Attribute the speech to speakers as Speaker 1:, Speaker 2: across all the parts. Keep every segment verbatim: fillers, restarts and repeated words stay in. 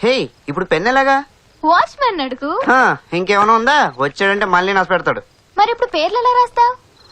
Speaker 1: హే ఇప్పుడు పెన్ ఎలాగా?
Speaker 2: వాచ్మెన్ అడుగు.
Speaker 1: హా, ఇంకేమైనా ఉందా? వచ్చాడంటే మళ్ళీ నాశ పెడతాడు.
Speaker 2: మరి ఇప్పుడు పేర్లు ఎలా రాస్తావు?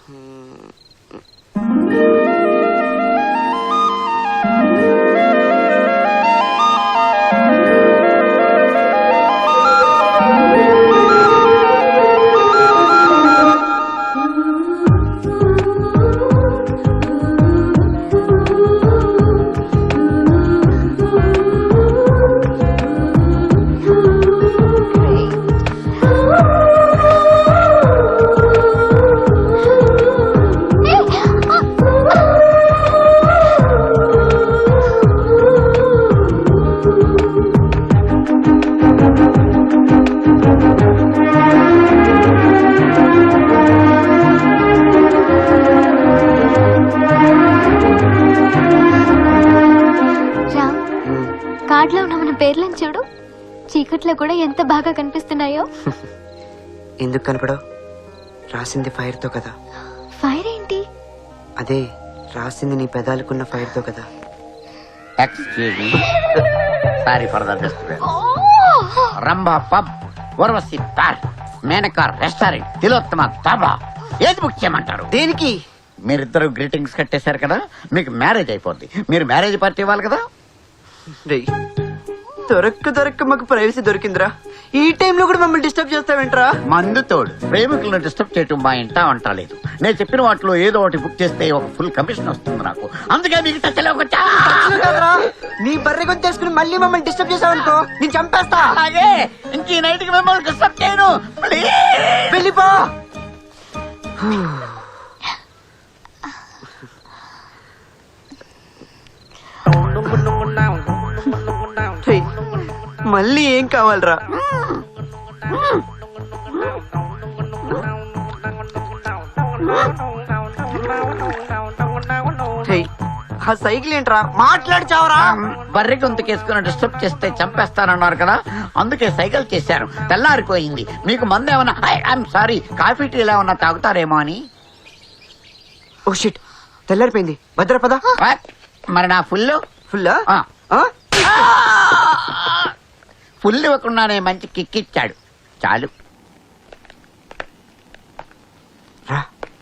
Speaker 2: కార్డులో ఉన్న మన పేర్లను చూడు, చీకట్లో కూడా ఎంత బాగా కనిపిస్తున్నాయో.
Speaker 1: ఎందుకు కనపడవు? రాసింది ఫైర్ తో కదా.
Speaker 2: ఫైర్ ఏంటి?
Speaker 1: అదే రాసింది నీ పెదాలకున్న ఫైర్ తో కదా.
Speaker 3: Excuse me, sorry for the disturbance. Rambha pub, Urvashi park, Menaka restaurant, Tilottama dhaba, ఏది బుక్ చేయమంటారు?
Speaker 1: దేనికి?
Speaker 3: మీరిద్దరు గ్రీటింగ్స్ కట్టేశారు కదా, మీకు మ్యారేజ్ అయిపోద్ది. మీరు మ్యారేజ్ పార్టీ ఇవ్వాలి కదా.
Speaker 1: దొరక్క దొరక్క మాకు ప్రైవసీ దొరికిందిరా. ఈ టైంలో కూడా మమ్మల్ని డిస్టర్బ్ చేస్తావేంట్రా?
Speaker 3: మందు తోడు ప్రేమికులను డిస్టర్బ్ చేయటం మా ఇంట వంట లేదు. నేను చెప్పిన వాటిలో ఏదో ఒకటి బుక్ చేస్తే ఒక ఫుల్ కమిషన్ వస్తుంది నాకు. అందుకే మీకు టచ్లోకి వచ్చా.
Speaker 1: నీ బర్రె కొని తీసుకుని మళ్ళీ మమ్మల్ని డిస్టర్బ్ చేసావనుకో నేను చంపేస్తా.
Speaker 3: అలాగే ఇంక ఈ నైట్ కి మిమ్మల్ని డిస్టర్బ్ చేయను.
Speaker 1: వెళ్ళిపో. మళ్ళీ ఏం కావాలరా? ఆ సైకిల్ ఏంట్రా? మాట్లాడి చావరా?
Speaker 3: బర్రె గొంతుకేసుకుని డిస్టర్బ్ చేస్తే చంపేస్తానన్నారు కదా, అందుకే సైకిల్ చేశారు. తెల్లారిపోయింది. మీకు మందు ఏమన్నా, ఐఎమ్ సారీ, కాఫీ టీ ఏమన్నా తాగుతారేమో అని.
Speaker 1: ఓ షిట్, తెల్లారిపోయింది. భద్రపద.
Speaker 3: మరి నా ఫుల్
Speaker 1: ఫుల్
Speaker 3: ఫుల్ ఇవ్వకుండానే మంచి కిక్ ఇచ్చాడు. చాలు
Speaker 1: రా.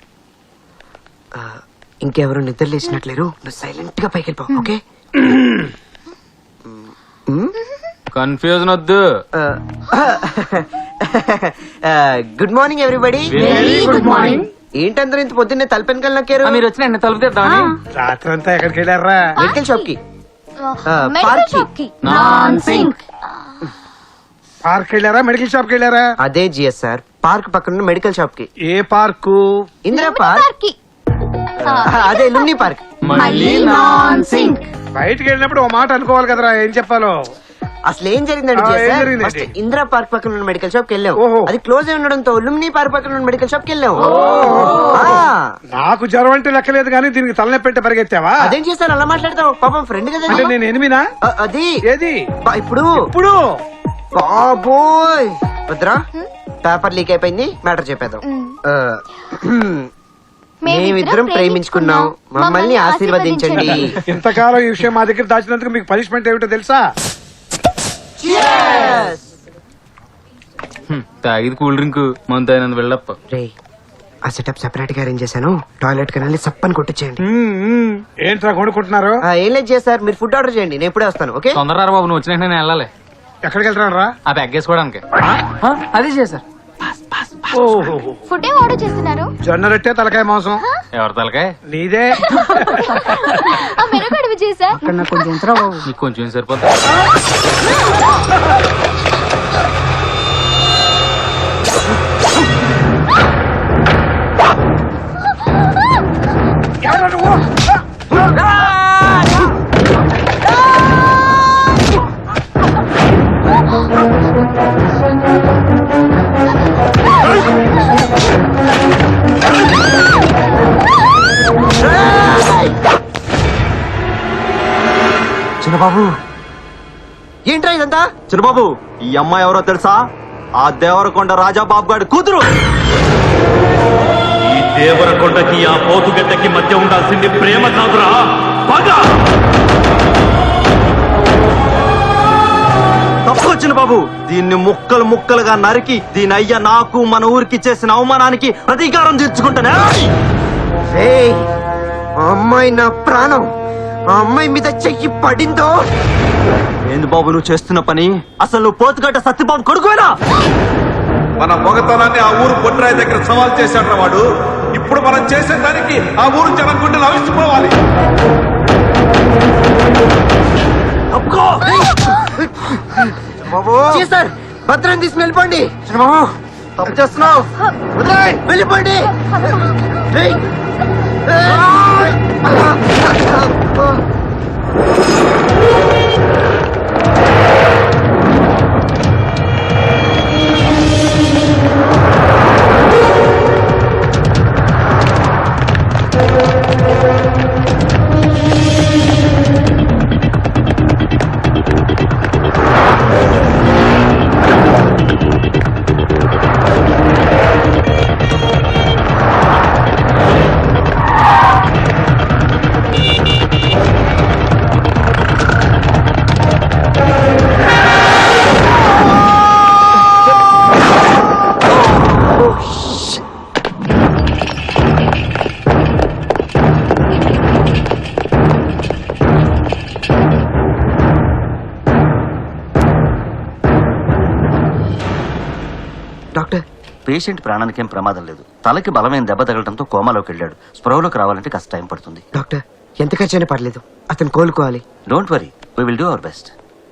Speaker 1: ఇంకెవరు నిద్ర లేచినట్లేరు. నువ్వు సైలెంట్ గా పైకి వెళ్ళిపో. ఓకే?
Speaker 4: కన్ఫ్యూజన్ వద్దు.
Speaker 1: Good morning everybody.
Speaker 4: Good morning.
Speaker 1: ఏంటందరూ ఇంత పొద్దున్నే తలపెనకల్ నక్కారు?
Speaker 4: మీరు వచ్చిన తలుపు తెద్దామని.
Speaker 5: రాత్రి అంతా ఎక్కడికి వెళ్ళారా?
Speaker 1: మెడికల్ షాప్ కి.
Speaker 2: మెడికల్ షాప్ కి.
Speaker 5: పార్క్ వెళ్ళారా? మెడికల్ షాప్ కి వెళ్ళారా?
Speaker 1: అదే జిఎస్ఆర్ పార్క్ పక్కన మెడికల్ షాప్ కి.
Speaker 5: ఏ పార్కు?
Speaker 1: ఇందిరా పార్క్. అదే లుమ్ని పార్క్.
Speaker 5: బయటికి వెళ్ళినప్పుడు ఓ మాట అనుకోవాలి కదరా, ఏం చెప్పాలో.
Speaker 1: అసలు ఏం జరిగిందండి
Speaker 5: ఆ, ఏం
Speaker 1: జిఎస్ఆర్?
Speaker 5: జరిగిందండి?
Speaker 1: ఫస్ట్ ఇందిరా పార్క్ పక్కన ఉన్న మెడికల్ షాప్ కి వెళ్ళాం.
Speaker 5: ఓహో.
Speaker 1: అది క్లోజ్ అయి ఉండడంతో లుమ్ని పార్క్ పక్కన ఉన్న మెడికల్ షాప్ కి వెళ్ళాం. ఆ,
Speaker 5: నాకు జ్వరం అంటే లెక్కలేదు కానీ దీనికి తలనొప్పి పెట్టి పరిగెత్తావా?
Speaker 1: అదేం చేస్తాను అలా మాట్లాడతావు? పాపం ఫ్రెండ్ కదా.
Speaker 5: అంటే నేను ఎనిమినా?
Speaker 1: ఆ, అది
Speaker 5: ఏది
Speaker 1: బా- ఇప్పుడు
Speaker 5: ఇప్పుడు?
Speaker 1: బాబోయ్ వద్దురా, పేపర్ లీక్ అయిపోయింది. మ్యాటర్ చెప్పేద్దాం. ఆ, మేమిద్దరం ప్రేమించుకున్నాం, మమ్మల్ని ఆశీర్వదించండి.
Speaker 5: ఇంతకాలం ఈ విషయం మా దగ్గర దాచినందుకు మీకు పనిష్మెంట్ ఏమిటో తెలుసా?
Speaker 4: తాగిది కూల్ డ్రింక్ మంత్ అయినందు వెళ్ళప్ప.
Speaker 1: రే, ఆ సెటప్ సెపరేట్ గా అరేంజ్ చేశాను. టాయిలెట్ కి వెళ్ళి సప్పని కొట్టించేయండి.
Speaker 5: మ్మ్, మ్మ్. ఏంట్రా కొనుక్కుంటున్నారు?
Speaker 1: ఆ, ఏం లేదు చేస్తారు, మీరు ఫుడ్ ఆర్డర్ చేయండి, నేను ఇప్పుడే వస్తాను. ఓకే?
Speaker 4: తొందరరా బాబు, నువ్వు వచ్చిన నేను వెళ్ళాలి.
Speaker 5: ఎక్కడికి వెళ్తున్నాను రా?
Speaker 4: ఆ బ్యాగ్ వేసుకోవడానికి. అదే చేశారు.
Speaker 2: ఫుడ్ ఏం ఆర్డర్ చేస్తున్నారు?
Speaker 5: జొన్న రొట్టె తలకాయ మాంసం.
Speaker 4: ఎవరి తలకాయ?
Speaker 5: నీదే.
Speaker 2: ఆ మెరగడవి చేసా.
Speaker 4: నీకు కొంచెం సరిపోతా.
Speaker 5: ఎవరు నువ్వు?
Speaker 1: చిన్నబాబు ఏంట్రా ఇదంతా?
Speaker 6: చిన్నబాబు, ఈ అమ్మాయి ఎవరో తెలుసా? ఆ దేవరకొండ రాజాబాబు గారి కూతురు.
Speaker 7: ఈ దేవరకొండకి ఆ పోతుగడ్డకి మధ్య ఉండాల్సింది ప్రేమ కాదురా, పగ.
Speaker 6: చిన్న బాబు దీన్ని ముక్కలు ముక్కలుగా నరికి దీని అయ్య నాకు మన ఊరికి చేసిన అవమానానికి ప్రతీకారం తీర్చుకుంటానే.
Speaker 1: రేయ్, ఆ అమ్మాయి నా ప్రాణం. ఆ అమ్మాయి మీద చెయ్యి పడిందో
Speaker 6: ఏంది బాబు నువ్వు చేస్తున్న పని? అసలు నువ్వు పోతుగడ్డ సత్యబాబు కొడుకువేనా?
Speaker 8: మన మొగతనాన్ని ఆ ఊరు పొట్రాయి దగ్గర సవాల్ చేశాడు వాడు. ఇప్పుడు మనం చేసే దానికి ఆ ఊరు జనం గుండెలు అవిసిపోవాలి.
Speaker 1: జీ సార్, భద్రం తీసుకుని వెళ్ళిపోండి. తప్పు చేస్తున్నావు, వదిలేయ్, వెళ్ళిపోండి. రేయ్. డాక్టర్,
Speaker 9: పేషెంట్ ప్రాణానికి ఏం ప్రమాదం లేదు. తలకి బలమైన దెబ్బ తగలడంతో కోమాలోకి వెళ్ళాడు. స్పృహలోకి రావాలంటే కాస్త టైం పడుతుంది.
Speaker 1: డాక్టర్, ఎంత ఖర్చైనా పర్లేదు, అతను కోలుకోవాలి.
Speaker 9: Don't worry, we will do our best.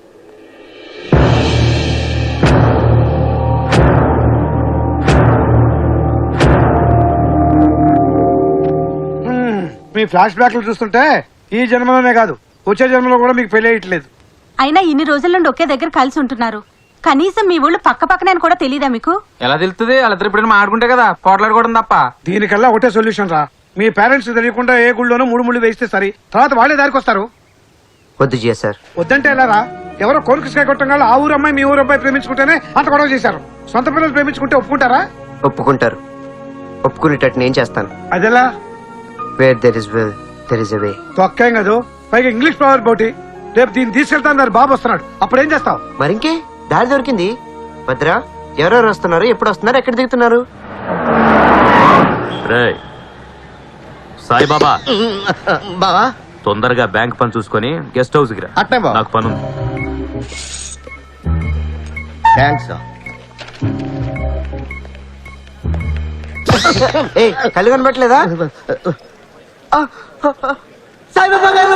Speaker 5: మీ ఫ్లాష్ బ్యాక్లు చూస్తుంటే ఈ జన్మలోనే కాదు వచ్చే జన్మలో కూడా మీకు పెళ్లి అయ్యట్లేదు.
Speaker 10: అయినా ఇన్ని రోజుల నుండి ఒకే దగ్గర కలిసి ఉంటున్నారు. కనీసం మీ ఊళ్ళు పక్క పక్కనే కూడా తెలియదా మీకు?
Speaker 4: ఎలా తెలుస్తుంది? వాళ్ళిద్దరు ఎప్పుడైనా మాట్లాడుకుంటే కదా పోట్లాడుకోవడం తప్ప.
Speaker 5: దీనికల్లా ఒకటే సొల్యూషన్ రా. మీ పేరెంట్స్ తెలియకుండా ఏ గుళ్ళోనూ మూడు ముళ్ళు వేస్తే సరి, తర్వాత వాళ్ళే దారికి వస్తారు.
Speaker 1: వద్దు జియా సార్.
Speaker 5: వద్దంటే ఎలా రా? ఎవరో కోరికకాయ కొట్టం ఆ ఊరు అమ్మాయి మీ ఊరు అబ్బాయి ప్రేమించుకుంటేనే అంత గొడవ చేశారు. సొంత పిల్లలు ప్రేమించుకుంటే ఒప్పుకుంటారా?
Speaker 1: ఒప్పుకుంటారు. ఒప్పుకునేటట్టు నేను చేస్తాను.
Speaker 5: అదెలా?
Speaker 1: Where there is will there is a way.
Speaker 5: తొక్కేం కాదు, పైగా ఇంగ్లీష్ ఫ్లవర్ బోటి. రేపు దీన్ని తీసుకెళ్తాను, బాబు వస్తున్నాడు, అప్పుడు ఏం చేస్తావు?
Speaker 1: మరింకే దారి దొరికింది. భద్ర, ఎవరెవరు వస్తున్నారు, ఎప్పుడు వస్తున్నారు, ఎక్కడ దిగుతున్నారు?
Speaker 7: రేయ్ సాయిబాబా,
Speaker 9: బావా,
Speaker 7: తొందరగా బ్యాంక్ పని చూసుకొని గెస్ట్ హౌస్ కి రా.
Speaker 9: అట్నే బావ.
Speaker 7: నాకు పని ఉంది.
Speaker 9: థ్యాంక్స్.
Speaker 1: ఏ కళ్ళు కనబట్టలేదా? సాయిబాబా గారు!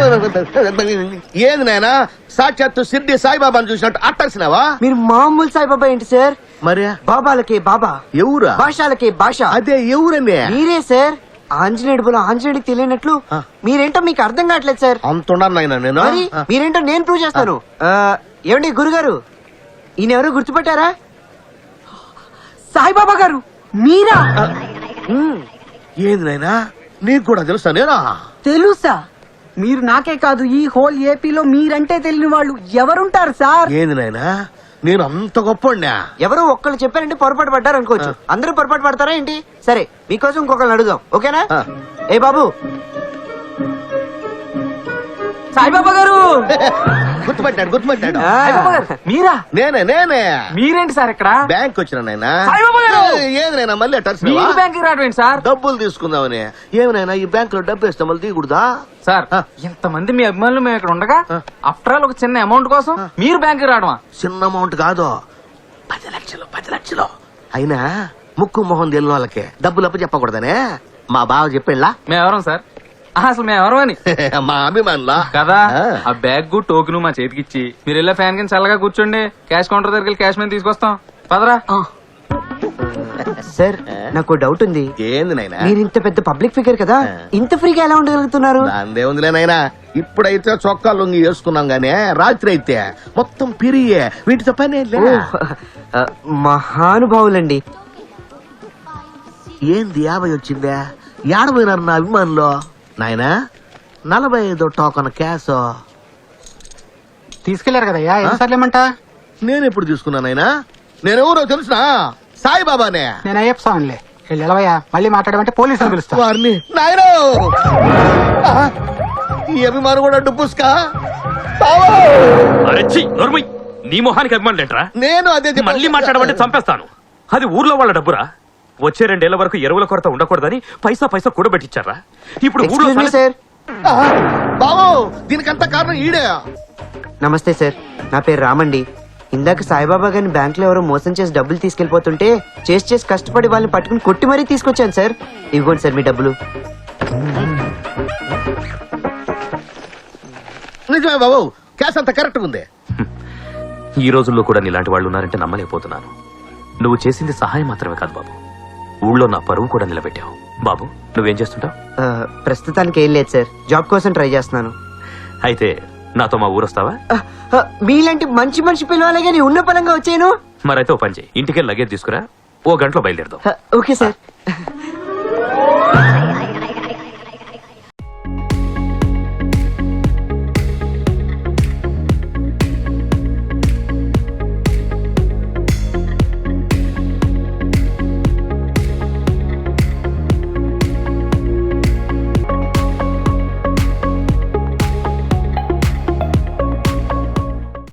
Speaker 9: ఏది నాయనా, సాక్షాత్తు సిద్ధి సాయిబాబాను చూసినట్టు అట్టర్సినావా?
Speaker 1: మీరు మామూలు సాయిబాబా ఏంటి సార్?
Speaker 9: మరి
Speaker 1: బాబాలకి బాబా,
Speaker 9: ఎవరా?
Speaker 1: భాషలకి భాష.
Speaker 9: అదే ఎవరనే?
Speaker 1: మీరే సార్. ఆంజనేయుడు బుల ఆంజనేయుడికి తెలియనట్లు మీరేంటో మీకు అర్థం కావట్లేదు సార్.
Speaker 9: అంటున్నాను నాయనా నేను.
Speaker 1: మరి మీరేంటో నేను ప్రూవ్ చేస్తాను. ఆ, ఏమండి గురుగారు, ఈయన ఎవరు గుర్తుపట్టారా?
Speaker 10: సాయిబాబా గారు మీరా?
Speaker 9: ఏది నాయనా, నీకు కూడా తెలుసా? నేనా?
Speaker 10: తెలుసా? మీరు నాకే కాదు, ఈ హోల్ ఏపీలో మీరంటే తెలియని వాళ్ళు ఎవరుంటారు సార్?
Speaker 9: ఏంది నాయనా, నేను అంత గొప్ప?
Speaker 1: ఎవరో ఒక్కళ్ళు చెప్పారంటే పొరపాటు పడ్డారు అనుకోవచ్చు. అందరూ పొరపాటు పడతారా ఏంటి? సరే, మీకోసం ఇంకొకళ్ళని అడుగుదాం, ఓకేనా? ఏ బాబు,
Speaker 10: సాయిబాబా గారు!
Speaker 9: గుర్తుపట్టాడు గుర్తుపట్టాడు.
Speaker 1: ఆ,
Speaker 10: మీరా?
Speaker 9: నేనే నేనే.
Speaker 4: మీరేంటి సార్ ఇక్కడ?
Speaker 9: బ్యాంక్ వచ్చిన నాయనా.
Speaker 4: సాయిబాబా గారు!
Speaker 9: ఏది నాయనా మళ్ళీ అట్టర్స్
Speaker 4: మీరు బ్యాంక్ రావడం సార్?
Speaker 9: డబ్బులు తీసుకుందామని. ఏమైనా ఈ బ్యాంక్ లో డబ్బు వేస్తే మళ్ళీ తీయకూడదా?
Speaker 4: సార్, ఇంతమంది మీ అభిమానులు మేము ఇక్కడ ఉండగా ఆఫ్టర్ ఆల్ ఒక చిన్న అమౌంట్ కోసం మీరు బ్యాంక్ రావడమా?
Speaker 9: చిన్న అమౌంట్ కాదు, పది లక్షలు పది లక్షలు. అయినా ముక్కు మొహం తెలియని వాళ్ళకి డబ్బులు అప్పు చెప్పకూడదనే మా బావ చెప్పేళ్ళా.
Speaker 4: మేము ఎవరం సార్? ఆహా, అసలు మేము ఎవరు అని
Speaker 9: మా అభిమానులా
Speaker 4: కదా.
Speaker 9: ఆ.
Speaker 4: ఆ బ్యాగ్ టోకెన్ మా చేతికి ఇచ్చి మీరు వెళ్ళే ఫ్యాన్ కింద చల్లగా కూర్చోండి, క్యాష్ కౌంటర్ దగ్గరికి వెళ్ళి క్యాష్ మీద తీసుకొస్తాం. పదరా.
Speaker 1: సార్ నాకు డౌట్ ఉంది.
Speaker 9: ఏంది నాయనా?
Speaker 1: మీరు ఇంత పెద్ద పబ్లిక్ ఫిగర్ కదా, ఇంత ఫ్రీగా ఎలా ఉండగలుగుతున్నారు?
Speaker 9: అందేముందిలే నాయనా, ఇప్పుడైతే చొక్కా లొంగి వేసుకున్నాం గానీ రాత్రి అయితే మొత్తం పిరియే, వీటితో పని ఏం
Speaker 1: ఓ,
Speaker 9: లే.
Speaker 1: ఆ, మహానుభావులండి.
Speaker 9: ఏంది యాభై వచ్చిందే? ఏడపోయినారు నా అభిమానులు. నాయనా, నలభై ఐదు టోకన్ క్యాష్
Speaker 5: తీసుకెళ్లారు కదయ్యా, ఎన్నిసార్లు ఏమంటా?
Speaker 9: నేను ఎప్పుడు తీసుకున్నానైనా? నేనెవరో తెలుసునా? సాయిబాబానే.
Speaker 5: నేను అయ్యప్ప స్వామిలే. వెళ్ళవయ్యా, మళ్ళీ మాట్లాడమంటే పోలీసులు పిలుస్తా.
Speaker 9: వారిని నాయనో, ఈ అభిమానం కూడా డుబ్బుస్కా.
Speaker 7: అరెచ్చి నోర్మయ్, నీ మొహానికి అభిమానులు ఏంట్రా?
Speaker 9: నేను అదే చెప్ప-
Speaker 7: మళ్ళీ మాట్లాడమంటే చంపేస్తాను. అది ఊర్లో వాళ్ళ డబ్బురా. వచ్చే రెండేళ్ల వరకు ఎరువుల కొరత ఉండకూడదని పైసా పైసా కూడబెట్టించారా? ఇప్పుడు ఊర్లో
Speaker 1: ఎక్స్క్యూజ్ మీ
Speaker 7: తల-
Speaker 1: సార్.
Speaker 9: ఆ, బావో దీనికంతా కారణం ఈడే.
Speaker 1: నమస్తే సార్, నా పేరు రామండి. ఇందాక సాయిబాబా గారిని బ్యాంక్ లో ఎవరో మోసం చేసి డబ్బులు తీసుకెళ్లిపోతుంటే చేసి చేసి కష్టపడి వాళ్ళని పట్టుకుని కొట్టి మరీ తీసుకొచ్చాను సార్. ఇవ్వండి సార్ మీ డబ్బులు.
Speaker 9: నిజమే బాబు, క్యాష్ అంత కరెక్ట్ ఉంది.
Speaker 7: ఈ రోజుల్లో కూడా నీలాంటి వాళ్ళు ఉన్నారంటే నమ్మలేకపోతున్నాను. నువ్వు చేసింది సహాయం మాత్రమే కాదు బాబు, ఊళ్ళో నా పరువు కూడా నిలబెట్టావు. బాబు నువ్వేం చేస్తుంటావు?
Speaker 1: ఆ, ప్రస్తుతానికి ఏం లేదు సార్, జాబ్ కోసం ట్రై చేస్తున్నాను.
Speaker 7: అయితే నాతో మా ఊరొస్తావా?
Speaker 1: ఆ, ఆ, మీలాంటి మంచి మనిషి పిలవాలి కానీ ఉన్న పరంగా వచ్చాను.
Speaker 7: మరైతే ఓ పని చేయి, ఇంటికి లగేజ్ తీసుకురా, ఓ గంటలో బయలుదేరదాం.
Speaker 1: Okay sir.